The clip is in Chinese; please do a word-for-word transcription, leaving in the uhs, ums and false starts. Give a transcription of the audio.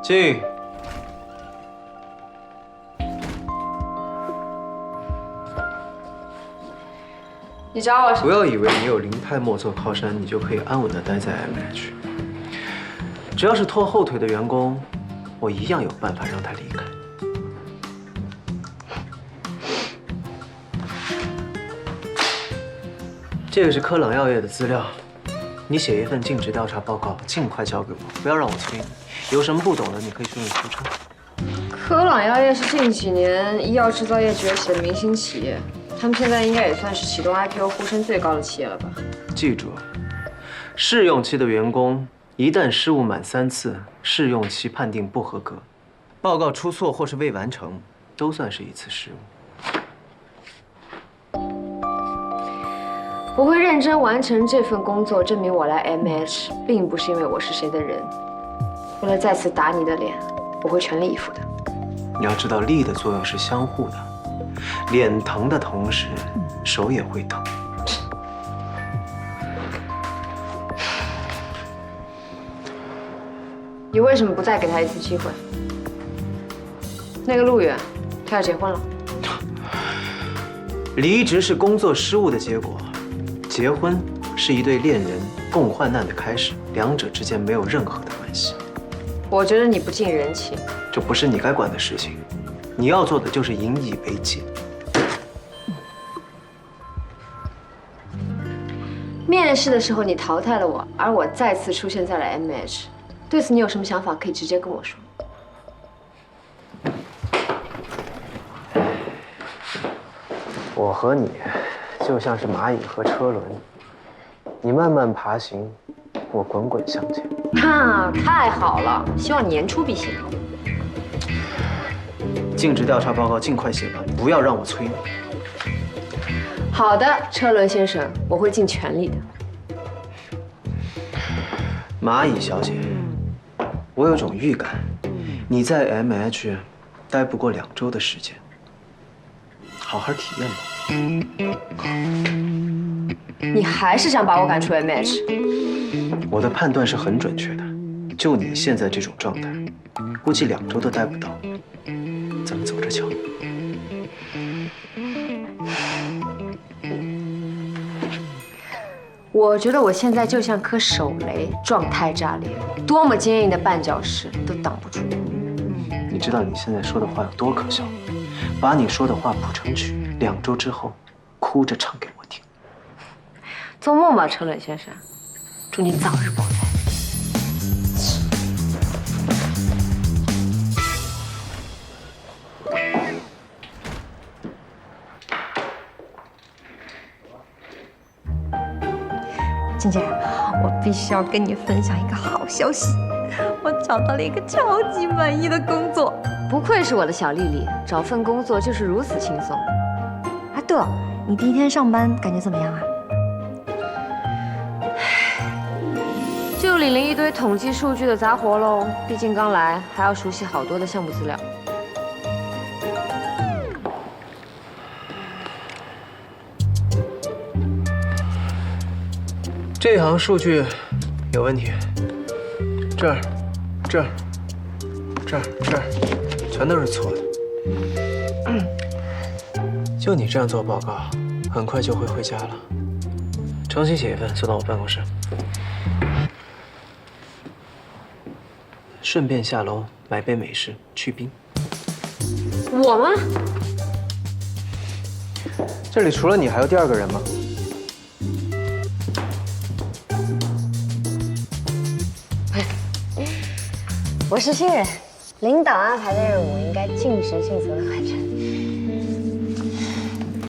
进。 你找我？ 不要以为你有林泰莫做靠山，你就可以安稳的待在 M H。只要是拖后腿的员工，我一样有办法让他离开。这个是科朗药业的资料，你写一份尽职调查报告，尽快交给我，不要让我催你。有什么不懂的，你可以去问出差。 科朗药业是近几年医药制造业崛起的明星企业，他们现在应该也算是启动 I P O 呼声最高的企业了吧？ 记住，试用期的员工一旦失误满三次，试用期判定不合格，报告出错或是未完成，都算是一次失误。 我会认真完成这份工作，证明我来 M H 并不是因为我是谁的人。为了再次打你的脸，我会全力以赴的。 你要知道，力的作用是相互的，脸疼的同时，手也会疼。 你为什么不再给他一次机会？那个陆远，他要结婚了。 离职是工作失误的结果，结婚是一对恋人共患难的开始，两者之间没有任何的关系。 我觉得你不近人情， 这不是你该管的事情，你要做的就是引以为戒。 面试的时候你淘汰了我，而我再次出现在了 M H， 对此你有什么想法可以直接跟我说。 我和你就像是蚂蚁和车轮，你慢慢爬行，我滚滚向前。 哈，太好了，希望年初必行。 尽职调查报告尽快写完，不要让我催你。 好的，车轮先生，我会尽全力的。 蚂蚁小姐，我有种预感，你在 M H 待不过两周的时间，好好体验吧。 你还是想把我赶出 M H？ 我的判断是很准确的，就你现在这种状态，估计两周都待不到。咱们走着瞧。 我觉得我现在就像颗手雷，状态炸裂，多么坚硬的绊脚石都挡不住。 你知道你现在说的话有多可笑吗？把你说的话谱成曲，两周之后，哭着唱给我听。 做梦吧，车轮先生，祝你早日爆胎。 静姐，我必须要跟你分享一个好消息，我找到了一个超级满意的工作。 不愧是我的小丽丽，找份工作就是如此轻松。 啊，对了，你第一天上班感觉怎么样啊？ 就领了一堆统计数据的杂活喽，毕竟刚来，还要熟悉好多的项目资料。 这行数据有问题，这儿、这儿、这儿、这儿，全都是错的。就你这样做报告，很快就会回家了。重新写一份，送到我办公室。顺便下楼买杯美式去冰。 我吗？ 这里除了你还有第二个人吗？ 我是新人，领导安排的任务应该尽职尽责的完成。